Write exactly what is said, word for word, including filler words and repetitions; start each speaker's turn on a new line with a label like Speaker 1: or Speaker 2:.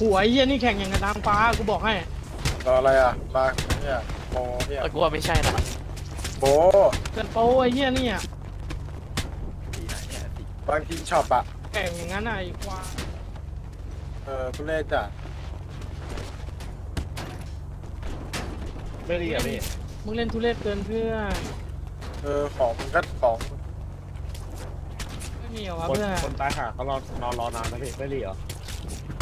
Speaker 1: หัวไอ้เหี้ยนี่แข่งอย่างกับนางฟ้ากูบอกให้
Speaker 2: รออะไรอ่ะมาเนี่ยโมเนี่ย
Speaker 3: แต่กูว่าไม่ใช่นะ
Speaker 2: โบ
Speaker 1: เกินโป้ไอ้เหี้ยนี่อ่ะ
Speaker 2: บางทีช็อปอ่ะ
Speaker 1: แข่งอย่างนั้นอ่ะไอ้ควาย
Speaker 2: เออทุเรศจ้ะ
Speaker 4: ไม่ดีอ่ะพี่
Speaker 1: มึงเล่นทุเรศเกินเพื่อน
Speaker 2: เออของมันก็ของ
Speaker 1: ไม่มีเหรอวะ
Speaker 4: คน
Speaker 1: เพื่อน
Speaker 4: คนตายหาเขารอนอนรอนานนะพี่ไม่ดีเหรอ